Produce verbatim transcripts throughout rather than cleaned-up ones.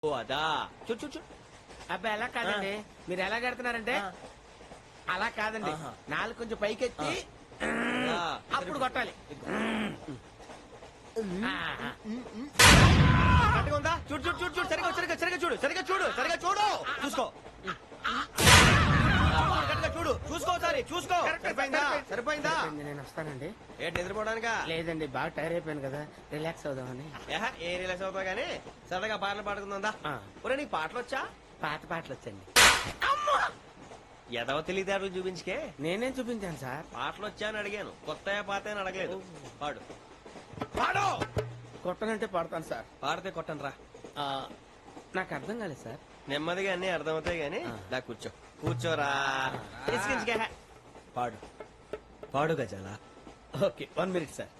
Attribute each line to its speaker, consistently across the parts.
Speaker 1: ఓ అదా చూ చూ చూ
Speaker 2: అబ్బాయి ఎలా కాదండి మీరు ఎలా కడుతున్నారంటే అలా కాదండి
Speaker 1: ఆహా.
Speaker 2: నాలుగు కొంచెం పైకెత్తి
Speaker 1: ఆ,
Speaker 2: అప్పుడు కొట్టాలి
Speaker 1: కరెక్ట్గా ఉందా చూడు చూడు చూడు చూడు సరిగా సరిగా సరిగా చూడు సరిగా చూడు సరిగా చూడు చూసుకో కరెక్ట్గా చూడు చూసుకో ఒకసారి చూసుకో సరిపోయిందా సరిపోయిందా
Speaker 2: సరిపోయింది, నేను వస్తానండి.
Speaker 1: ఏంటి నిద్రపోవడానికా
Speaker 2: లేదండి బాగా టైర్ అయిపోయాను కదా రిలాక్స్ అవుదామని.
Speaker 1: ఏహ, ఏ రిలాక్స్ అవుతావు కానీ సరదాగా పాటలు పాడుకుందా
Speaker 2: ఆ.
Speaker 1: ఒరే నీకు పాటలు వచ్చా
Speaker 2: పాత పాటలు వచ్చండి.
Speaker 1: ఎదవ తెలివితేటలు చూపించుకే
Speaker 2: నేనేం చూపించాను సార్.
Speaker 1: పాటలు వచ్చా అని అడిగాను కొత్త పాత అని అడగలేదు పాడు పాడు
Speaker 2: కొట్టనంటే పడతాను సార్.
Speaker 1: పాడితే కొట్టను రా
Speaker 2: ఆ, నాకు అర్థం కాలేదు సార్.
Speaker 1: నెమ్మదిగా అన్ని అర్థమవుతాయి గాని
Speaker 2: ఆ.
Speaker 1: దా కూర్చో కూర్చోరా ఇసికించుకే. పాడు పాడు గజాల
Speaker 2: ఓకే వన్ మినిట్ సార్.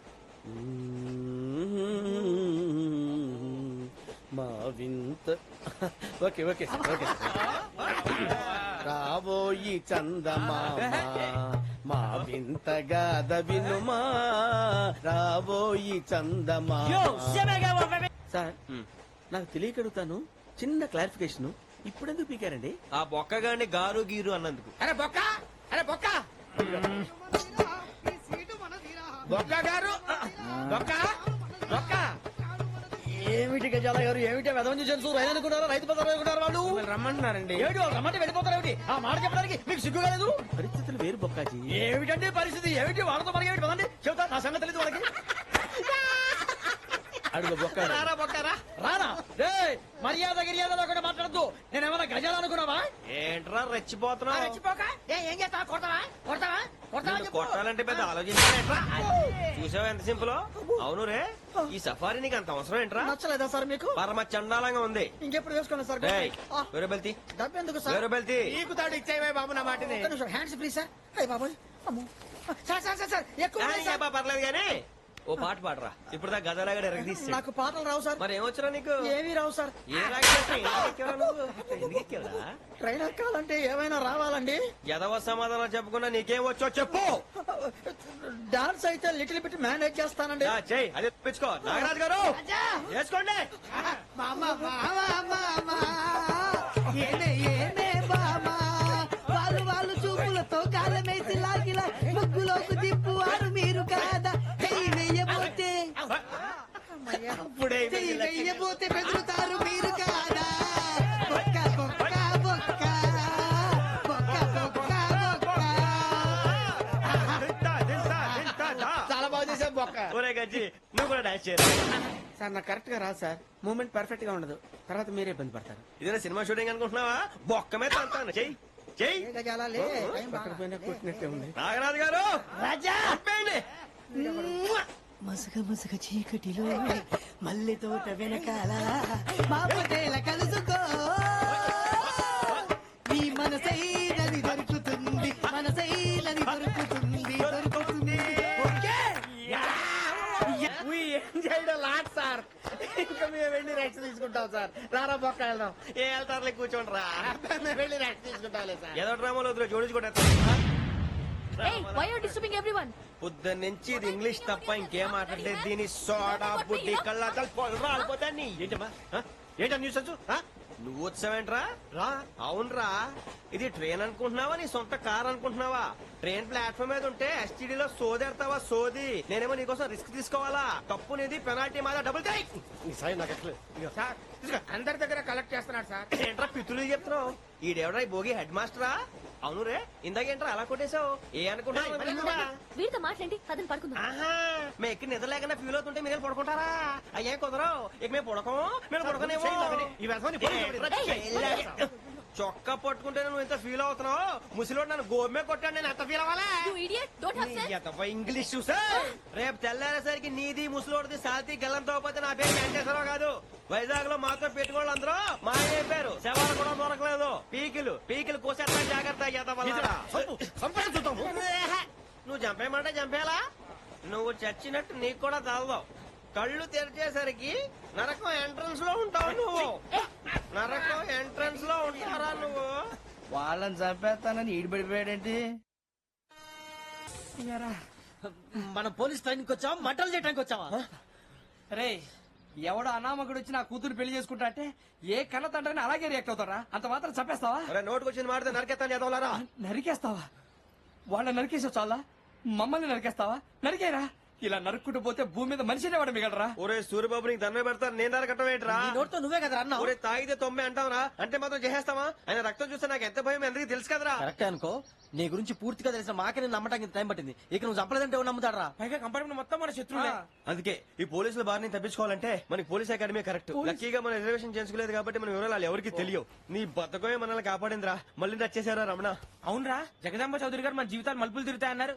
Speaker 2: మా వింత okay okay sir okay sir. రాబోయి చందమామ మా వింతగా దవినుమా రాబోయి చందమామ. సార్
Speaker 1: హ్మ్.
Speaker 2: నాకు తెలియకడుగుతాను చిన్న క్లారిఫికేషన్. ఇప్పుడెందుకు పీకారండి?
Speaker 1: ఆ బొక్కగాని గారు గీరు అన్నందుకు.
Speaker 2: అరే బొక్క అరే బొక్క బొక్క గారు బొక్క బొక్క
Speaker 3: ఏమిటి గజాల గారు ఏమిటి వెదవం చూసారు రైలు అనుకున్నారా రైతు బజార్ అనుకున్నారు వాళ్ళు
Speaker 2: మిమ్మల్ని రమ్మంటున్నారండి.
Speaker 3: ఏమిటి వాళ్ళు రమ్మంటే వెళ్ళిపోతారు ఏమిటి ఆ మాట చెప్పడానికి మీకు సిగ్గు కాలేదు
Speaker 2: పరిస్థితులు వేరు బొక్కాజీ.
Speaker 3: ఏమిటండి పరిస్థితి ఏమిటి వాళ్ళతో మనకి ఏమిటి పదండి చెబుతా నా సంగతి తెలియదు వాళ్ళకి
Speaker 2: అడుగు బొక్క
Speaker 1: రారా బొక్కరా
Speaker 3: రానా రే మర్యాద గిర్యాద లేకుండా మాట్లాడద్దు నేను ఏమైనా గజాలు అనుకున్నావా
Speaker 1: ఏంట్రా రెచ్చిపోతున్నావు
Speaker 3: రెచ్చిపోక ఏ, ఏం చేస్తావా కొడతావా కొడతావా కొడతావా
Speaker 1: నిన్ను
Speaker 3: చెప్పు.
Speaker 1: కొట్టాలంటే పెద్ద ఆలోచించాలేట్రా చూసావా ఎంత సింపుల్. అవును రే ఈ సఫారీ నీకు అంత అవసరం ఏంట్రా?
Speaker 3: నచ్చలేదా సార్ మీకు
Speaker 1: పరమ చండాలంగా ఉంది.
Speaker 3: ఇంకెప్పుడు వేసుకోండి సార్
Speaker 1: డేయ్,
Speaker 3: ఆ,
Speaker 1: వేరే బెల్తి
Speaker 3: డబ్బు ఎందుకు సార్
Speaker 1: వేరే బెల్తి
Speaker 2: నీకు తాడు ఇచ్చేవే బాబు నా మాటని.
Speaker 3: ఒక్క నిమిషం హ్యాండ్స్ ప్లీజ్ సార్ అయ్యి బాబోయ్ అమ్మో సార్ సార్ సార్ సార్ ఎక్కువ ఉన్నాయి సార్.
Speaker 1: పర్లేదు కానీ ఓ పాట పాడరా ఇప్పుడు దా గదలాగా ఎరగదీసి.
Speaker 3: నాకు పాటలు రావు సార్
Speaker 1: మరి ఏమొచ్చరా నీకు?
Speaker 3: ఏమీ రావు సార్
Speaker 1: ఏ రాగేస్తా ఎందుకు ఎక్కేవరా నువ్వు? ఎందుకు ఎక్కేవరా?
Speaker 3: ట్రైన్ ఎక్కాలంటే ఏమైనా రావాలండి
Speaker 1: ఎదవ సమాధానం చెప్పకుండా నీకేం వచ్చో చెప్పు.
Speaker 3: డాన్స్ అయితే లిటిల్ బిట్ మేనేజ్ చేస్తానండి
Speaker 1: యా, చెయ్ అది తెప్పించుకో. నాగరాజు గారు వేసుకోండి.
Speaker 3: మామ మామ మామ ఏనే ఏనే మామ వాళ్ళు వాళ్ళు చూపులతో కాలమేసి లాగిలా ముగ్గులోకి తిప్పువారు మీరు కాదా చెయ్యి వెయ్యబోతే
Speaker 1: అప్పుడే
Speaker 3: చెయ్యి వెయ్యబోతే బెదురుతారు మీరు కాదా బొక్క బొక్క బొక్క బొక్క బొక్క బొక్క
Speaker 1: తింటా, తింటా, తింటా, దా.
Speaker 2: చాలా బాగా చేసావు బొక్క.
Speaker 1: ఒరే గజ్జి నువ్వు కూడా డాన్స్ చేయరా?
Speaker 2: సార్ నాకు కరెక్ట్ గా రాదు సార్. మూమెంట్ పర్ఫెక్ట్ గా ఉండదు. తర్వాత మీరే ఇబ్బంది పడతారు.
Speaker 1: ఇదేనా సినిమా షూటింగ్ అనుకుంటున్నావా? బొక్క మీద అంటాను. చెయ్యి చెయ్యి.
Speaker 3: ఏ గజాలా లే టైం
Speaker 2: పక్కన
Speaker 3: బాగా.
Speaker 2: పోయినా కొట్టినట్టే ఉంది.
Speaker 1: నాగరాజు గారు
Speaker 3: రాజా
Speaker 1: చంపేయండి.
Speaker 3: మసగ మసగ చీకటిలో మల్లె తోట వెనకాల మాపటేల కలుసుకో నీ మనసైనది దొరుకుతుంది మనసైనది దొరుకుతుంది దొరుకుతుంది okay
Speaker 2: We enjoyed a lot, sir. ఇంకా మేము వెళ్ళి రెస్ట్ తీసుకుంటాం సార్. రారా బొక్క వెళ్దాం.
Speaker 1: ఏ వెళ్తారులే కూర్చోండి రా.
Speaker 2: మేము వెళ్ళి రెస్ట్ తీసుకుంటాంలే సార్.
Speaker 1: ఏదో డ్రామాలో వద్దు జోడించుకుంటా.
Speaker 4: Hey, why are you disturbing everyone?
Speaker 1: పొద్దున్న నుంచి ఇది ఇంగ్లీష్ తప్ప ఇంకేం మాట్లాడలేదు. దీని సోడా బుడ్డి కళ్ళ రాలిపోతా నీ ఏంటమ్మా ఆ? ఏంటా న్యూస్ వచ్చు ఆ? నువ్వు వచ్చావేంట్రా? రా అవునరా ఇది ట్రైన్ అనుకుంటున్నావా నీ సొంత కార్ అనుకుంటున్నావా? ట్రైన్ ప్లాట్ఫామ్ మీద ఉంటే ఎస్టీడీలో సోదేడతావా సోది. నేనేమో నీకోసం రిస్క్ తీసుకోవాలా? తప్పు నీది పెనాల్టీ మాదా డబుల్ టై. సాయి నాకు ఎట్లేదు. ఇదిగో.
Speaker 2: సార్ అందరి దగ్గర కలెక్ట్ చేస్తున్నాడు సార్.
Speaker 1: ఏంట్రా పితులు చెప్తున్నావు? ఈడెవడ్రా ఈ భోగి హెడ్ మాస్టరా? అవును రే ఇందాకేంట్రా అలా కొట్టేశావు? ఏ అనుకుంటున్నావు?
Speaker 4: వీరితో మాట్లాడి అతను పడుకుందాం.
Speaker 1: ఆహా మేము ఎక్కడ నిద్ర లేకుండా ఫీల్ అవుతుంటే మీరు పడుకుంటారా? అయ్యే కుదరవు. ఇక మేము పడకం మేము పడకనేమో. చొక్కా పట్టుకుంటే నువ్వు ఎంత ఫీల్ అవుతున్నావు? ముసలివాడు నన్ను గోమే కొట్టాడు నేను ఎంత ఫీల్ అవ్వాలా?
Speaker 4: You idiot, don't have sense.
Speaker 1: English చూసా రేపు తెల్లారేసరికి నీది ముసలోడిది సాతి గల్లంతో పోతే నా పేరు వెంకటేశ్వరరావు కాదు. వైజాగ్ లో మాత్రం పెట్టుకోళ్ళు అందరూ మా అయిపోయారు. శవాలు కూడా దొరకలేదు. పీకిలు పీకిలు కోసేస్తా జాగ్రత్త. నువ్వు చంపేయమంటే చంపేలా? నువ్వు చచ్చినట్టు నీకు కూడా తగదావు. కళ్ళు తెరిచేసరికి నరకం ఎంట్రన్స్ లో ఉంటావు నువ్వు. నరకం ఎంట్రన్స్ లో ఉంటారా నువ్వు?
Speaker 3: వాళ్ళని చంపేస్తానని ఈడిపడిపోయాడేంటి
Speaker 5: మన పోలీస్ ట్రైనింగ్ వచ్చావా మంటలు చేయడానికి వచ్చావా రే
Speaker 2: ఎవడో అనామకుడు వచ్చి నా కూతురు పెళ్లి చేసుకుంటా అంటే ఏ కన్న తండ్రిని అలాగే రియాక్ట్ అవుతారా? అంత మాత్రం చంపేస్తావా?
Speaker 1: అరే నోటుకు వచ్చింది మాడితే నరకెత్తాను చదవాలరా.
Speaker 2: నరికేస్తావా? వాళ్ళ నరికేసావు చాలా, మమ్మల్ని నరికేస్తావా? నరికేరా. ఇలా నరుక్కుంటూ పోతే భూమి మీద మనిషినే వాడు మిగలరా.
Speaker 1: ఒరే సూర్యబాబు నీకు దండ పెడతారు, నేను నరకటం ఏంట్రా?
Speaker 3: నీ నోటితో నువ్వే కదా అన్నావు.
Speaker 1: ఒరే తాగితే తొమ్మే అంటావరా, అంటే మాత్రం చేసేస్తావా? ఆయన రక్తం చూస్తే నాకు ఎంత భయం ఎందుకు తెలుసు కదరా.
Speaker 3: కరెక్టే అనుకో, నీ గురించి పూర్తిగా తెలిసిన మాకే నేను నమ్మటానికి ఇంత టైం పట్టింది. ఇక నువ్వు చంపలేదంటే ఎవరు నమ్ముతాడరా?
Speaker 2: పైగా కంపార్ట్మెంట్ మొత్తం మన శత్రువులే.
Speaker 1: అందుకే ఈ పోలీసుల బారిని తప్పించుకోవాలంటే మనకి పోలీస్ అకాడమీ కరెక్ట్. లక్కీగా మనం రిజర్వేషన్ చేసుకోలేదు కాబట్టి మన వివరాలు ఎవరికి తెలియవు. నీ బతకమే మనల్ని కాపాడిందిరా. మళ్ళీ వచ్చేసారా రమణ?
Speaker 2: అవునరా, జగదాంబ చౌదరి గారు మన జీవితాలు మలుపులు తిరుగుతాయన్నారు.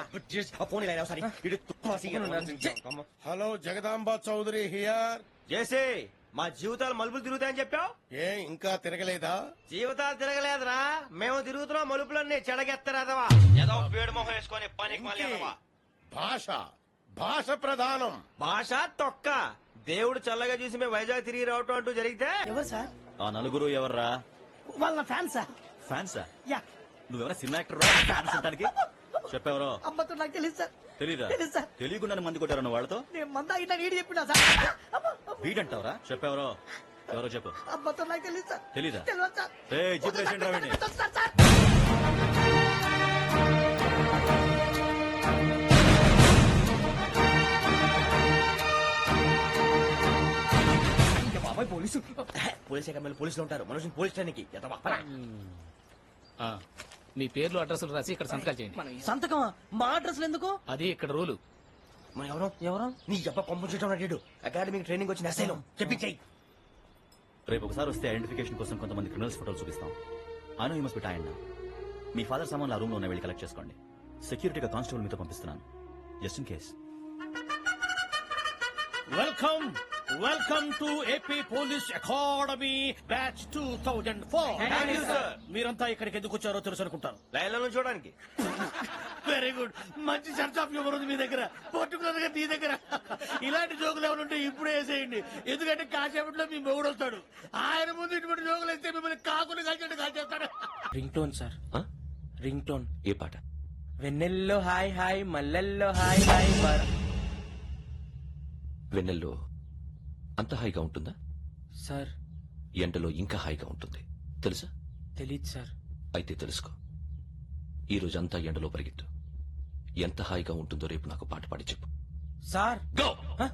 Speaker 5: Hello Jagadamba Chowdary here.
Speaker 1: చేసే మా జీవితాలు మలుపులు తిరుగుతాయని చెప్పావు.
Speaker 5: ఏ ఇంకా తిరగలేదా?
Speaker 1: జీవితాలు తిరగలేదురా, మేము తిరుగుతున్నాం మలుపులన్నీ చెడగెత్తరాదవా. ఏదో పేడు మొహం వేసుకొని పనికి మళ్ళీ ఎదవా.
Speaker 5: భాష భాష ప్రధానం.
Speaker 1: భాష తొక్క. దేవుడు చల్లగా చూసి మేము వైజాగ్ తిరిగి రావటం అంటూ జరిగితే
Speaker 3: ఎవరు సార్?
Speaker 6: ఆ నలుగురు ఎవర్రా?
Speaker 3: వాళ్ళ ఫ్యాన్ సార్.
Speaker 6: ఫ్యాన్సా?
Speaker 3: యా.
Speaker 6: నువ్వెవరా సినిమా యాక్టర్ ఫ్యాన్స్ అంటానికి? చెప్పెవరో
Speaker 3: అమ్మతో నాకు తెలియదు సార్.
Speaker 6: తెలీదా?
Speaker 3: తెలీదు సార్.
Speaker 6: తెలియకుండా మంది కొట్టారన్న వాళ్ళతో
Speaker 3: నేను మంద అయినా నీడి చెప్పినా సార్. అమ్మ, అమ్మ.
Speaker 6: వీడంటావరా? చెప్పెవరో ఎవరో చెప్పు.
Speaker 3: అమ్మతో నాకు తెలియదు సార్.
Speaker 6: తెలీదా?
Speaker 3: తెలియదు సార్.
Speaker 6: ఏ జీప్ రేషన్ రావండి.
Speaker 3: Sir, sir.
Speaker 2: బాబాయ్ పోలీసు.
Speaker 1: పోలీస్ అకాడమీలో పోలీసులు ఉంటారు, మనుషులు పోలీస్ స్టేషన్కి ఎదవా.
Speaker 7: ఆ, మీ పేర్లు అడ్రస్లు రాసి ఇక్కడ సంతకాలు చేయండి.
Speaker 3: సంతకమా? మా అడ్రస్ ఎందుకు?
Speaker 7: అది ఇక్కడ రూలు.
Speaker 1: మన ఎవరు
Speaker 3: ఎవరు?
Speaker 1: నీ అబ్బా పంపించడం అడిగాడు. అకాడమిక్ ట్రైనింగ్ వచ్చిన అసైలం చెప్పించాయి.
Speaker 6: రేపు ఒకసారి వస్తే ఐడెంటిఫికేషన్ కోసం కొంతమంది క్రిమినల్స్ ఫోటోలు చూపిస్తాం. I know you must be tired now. మీ ఫాదర్ సామాన్లు ఆ రూమ్ లో వెళ్ళి కలెక్ట్ చేసుకోండి. సెక్యూరిటీగా కానిస్టేబుల్ మీతో పంపిస్తున్నాను, just in case.
Speaker 8: Welcome welcome to AP police academy batch two thousand four.
Speaker 1: Thank you, sir.
Speaker 8: మీరంతా ఇక్కడికి ఎందుకు వచ్చారో తెలుసు అనుకుంటాను.
Speaker 1: లైన్లో నుంచి చూడడానికి.
Speaker 8: వెరీ గుడ్, మంచి సెన్స్ ఆఫ్ హ్యూమర్ ఉంది మీ దగ్గర, పర్టికులర్ గా మీ దగ్గర. ఇలాంటి జోకులు ఏమైనా ఉంటే ఇప్పుడే వేసేయండి, ఎందుకంటే కాసేపట్లో మీ మొగుడు వస్తాడు. ఆయన ముందు ఇటువంటి జోకులు వేస్తే మిమ్మల్ని కాకుని కాల్చేట్టు కాల్చేస్తాడు.
Speaker 2: Ring tone sir, ring tone.
Speaker 6: ఏ పాట?
Speaker 2: వెన్నెల్లో హాయ్ హాయ్, మల్లెల్లో హాయ్ హాయ్.
Speaker 9: వెన్నెల్లో అంత హాయిగా ఉంటుందా?
Speaker 2: సార్
Speaker 9: ఎండలో ఇంకా హాయిగా ఉంటుంది తెలుసా?
Speaker 2: తెలీదు సార్.
Speaker 9: అయితే తెలుసుకో, ఈ రోజంతా ఎండలో పరిగెత్తు. ఎంత హాయిగా ఉంటుందో రేపు నాకు పాట పాడి చెప్పు.
Speaker 2: Sir
Speaker 9: go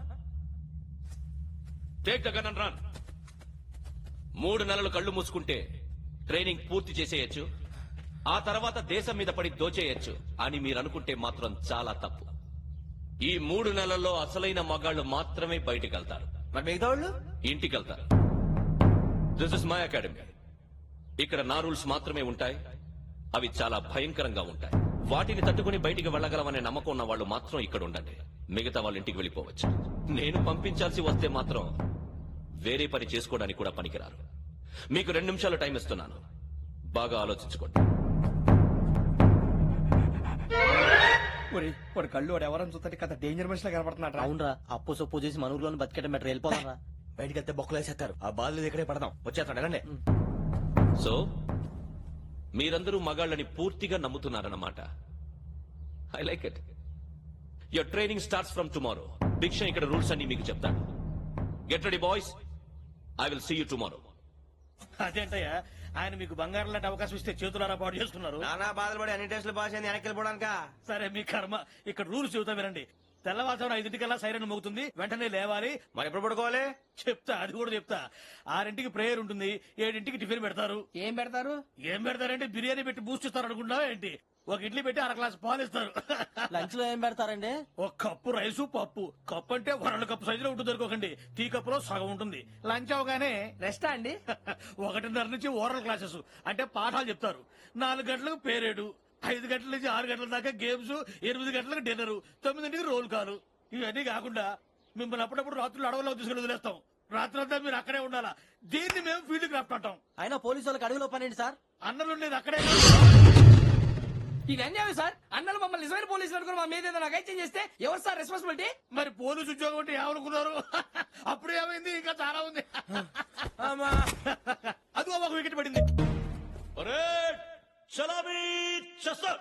Speaker 9: take the gun and run. మూడు నెలలు కళ్ళు మూసుకుంటే ట్రైనింగ్ పూర్తి చేసేయచ్చు, ఆ తర్వాత దేశం మీద పడి దోచేయచ్చు అని మీరు అనుకుంటే మాత్రం చాలా తప్పు. ఈ మూడు నెలల్లో అసలైన మగాళ్లు మాత్రమే బయటికి వెళ్తారు,
Speaker 1: మరి మిగతా వాళ్ళు
Speaker 9: ఇంటికి వెళ్తారు. This is my academy. ఇక్కడ నా రూల్స్ మాత్రమే ఉంటాయి, అవి చాలా భయంకరంగా ఉంటాయి. వాటిని తట్టుకుని బయటికి వెళ్ళగలమనే నమ్మకం ఉన్న వాళ్ళు మాత్రం ఇక్కడ ఉండండి, మిగతా వాళ్ళు ఇంటికి వెళ్ళిపోవచ్చు. నేను పంపించాల్సి వస్తే మాత్రం వేరే పని చేసుకోవడానికి కూడా పనికిరారు. మీకు రెండు నిమిషాలు టైం ఇస్తున్నాను, బాగా ఆలోచించుకోండి.
Speaker 2: వాడు కళ్ళు వాడు ఎవరైనా చూస్తే కదా డేంజర్ మనిషిలో కనపడుతున్నాడు.
Speaker 3: అవునరా, అప్పు సొప్పు చేసి మన ఊర్లో బతికేట మెట్రో వెళ్ళిపోదాం రా.
Speaker 1: బయటికి వెళ్తే బొక్కలు వేసేస్తారు. ఆ బాధలు ఇక్కడే పడదాం. వచ్చేస్తాడు రండి.
Speaker 9: సో మీరందరూ మగాళ్ళని పూర్తిగా నమ్ముతున్నారన్నమాట. I like it. Your training starts from tomorrow. భిక్ష ఇక్కడ రూల్స్ అన్ని మీకు చెప్తాను. Get ready boys, I will see you tomorrow.
Speaker 8: అదేంటయ్యా, ఆయన మీకు బంగారం లాంటి అవకాశం ఇస్తే చేతులారా పాటు చేసుకున్నారు.
Speaker 1: నానా బాధలు పడి అన్ని టెస్టులు పాస్ అయింది, వెనక్కి వెళ్ళిపోవడానికా?
Speaker 8: సరే మీ కర్మ. ఇక్కడ రూల్స్ చెబుతా వినండి. తెల్లవారుజామున ఐదింటికల్లా సైరన్ మోగుతుంది, వెంటనే లేవాలి.
Speaker 1: మరి ఎప్పుడు పడుకోవాలి?
Speaker 8: చెప్తా, అది కూడా చెప్తా. ఆరింటికి ప్రేయర్ ఉంటుంది, ఏడింటికి టిఫిన్ పెడతారు.
Speaker 2: ఏం పెడతారు?
Speaker 8: ఏం పెడతారంటే బిర్యానీ పెట్టి బూస్ట్ ఇస్తారు అనుకుంటావా ఏంటి? ఒక ఇడ్లీ పెట్టి అర గ్లాస్ పాలు ఇస్తారు.
Speaker 3: లంచ్ లో ఏం పెడతారండి?
Speaker 8: ఒక కప్పు రైసు పప్పు. కప్పు అంటే వరల్డ్ కప్పు సైజులో ఉంటుంది అనుకోకండి, టీ కప్పులో సగం ఉంటుంది. లంచ్ అవగానే
Speaker 2: రెస్టా అండి?
Speaker 8: ఒకటిన్నర నుంచి ఓరల్ క్లాసెస్ అంటే పాఠాలు చెప్తారు. నాలుగు గంటలకు పేరేడు, ఐదు గంటల నుంచి ఆరు గంటల దాకా గేమ్స్, ఎనిమిది గంటలకు డిన్నర్, తొమ్మిదింటికి రోల్ కాలు. ఇవన్నీ కాకుండా మిమ్మల్ని అప్పుడప్పుడు రాత్రులు అడవుల్లో తీసుకుని వదిలేస్తాం. రాత్రంతా మీరు అక్కడే ఉండాలా. దీన్ని మేము ఫీల్డ్ క్రాఫ్ట్ అంటాం.
Speaker 3: అయినా పోలీసు వాళ్ళకి అడవిలో పనేంటి సార్?
Speaker 8: అన్నలు ఉండేది అక్కడే.
Speaker 2: ఇది అన్యాయం సార్. అన్నలు మమ్మల్ని నిజమైన పోలీసులు అనుకుని మా మీద ఏదైనా అగైత్యం చేస్తే ఎవరు సార్ రెస్పాన్సిబిలిటీ?
Speaker 8: మరి పోలీసు ఉద్యోగం అంటే ఏమనుకున్నారు? అప్పుడు ఏమైంది, ఇంకా చాలా ఉంది. అదిగో ఒక వికెట్ పడింది.
Speaker 9: చలామీ చస్టర్.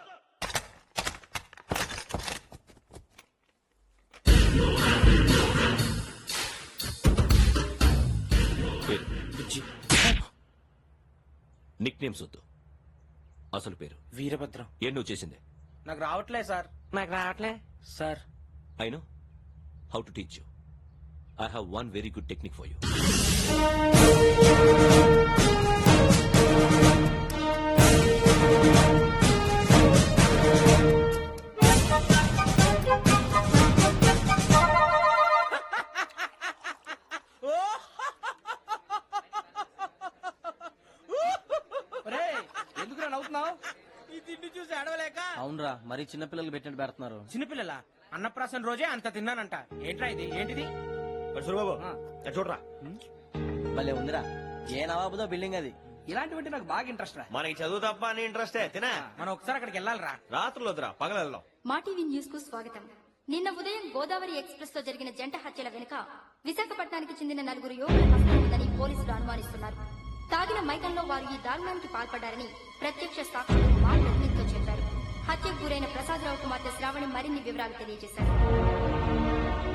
Speaker 9: నిక్ నేమ్స్ వద్దు, అసలు పేరు.
Speaker 3: వీరభద్రం.
Speaker 9: ఏం నువ్వు చేసింది?
Speaker 3: నాకు రావట్లే సార్. నాకు రావట్లే sir.
Speaker 9: I know how to teach you. I have one very good technique for you.
Speaker 2: ఎందుకు నవ్వుతున్నావు?
Speaker 3: ఈ తిండి చూసి అడవలేక.
Speaker 2: అవునరా, మరీ చిన్నపిల్లలు పెట్టినట్టు పెడుతున్నారు.
Speaker 3: చిన్నపిల్లల అన్నప్రాసన రోజే అంత తిన్నానంట. ఏంట్రా ఇది? ఏంటిది?
Speaker 1: సూరిబాబు చూడరా,
Speaker 2: భలే ఉందిరా. ఏ నవాబుదో బిల్డింగ్ అది. ఇలాంటివంటే నాకు బాగా ఇంట్రెస్ట్ రా.
Speaker 1: మనకి చదువు తప్ప అని ఇంట్రెస్టే. తినా
Speaker 3: మనం ఒకసారి అక్కడికి వెళ్ళాలిరా.
Speaker 1: రాత్రులు వద్దురా, పగలు వెళ్దాం.
Speaker 4: మా టీవీ న్యూస్ కు స్వాగతం. నిన్న ఉదయం గోదావరి ఎక్స్ప్రెస్ లో జరిగిన జంట హత్యల వెనుక విశాఖపట్నానికి చెందిన నలుగురు యువకుల హస్తం ఉందని పోలీసులు అనుమానిస్తున్నారు. తాగిన మైకంలో వారు ఈ దారుణానికి పాల్పడ్డారని ప్రత్యక్ష సాక్షులు మా ప్రతినిధితో చెప్పారు. హత్యకు గురైన ప్రసాదరావు కుమార్తె శ్రావణి మరిన్ని వివరాలు తెలియజేశారు.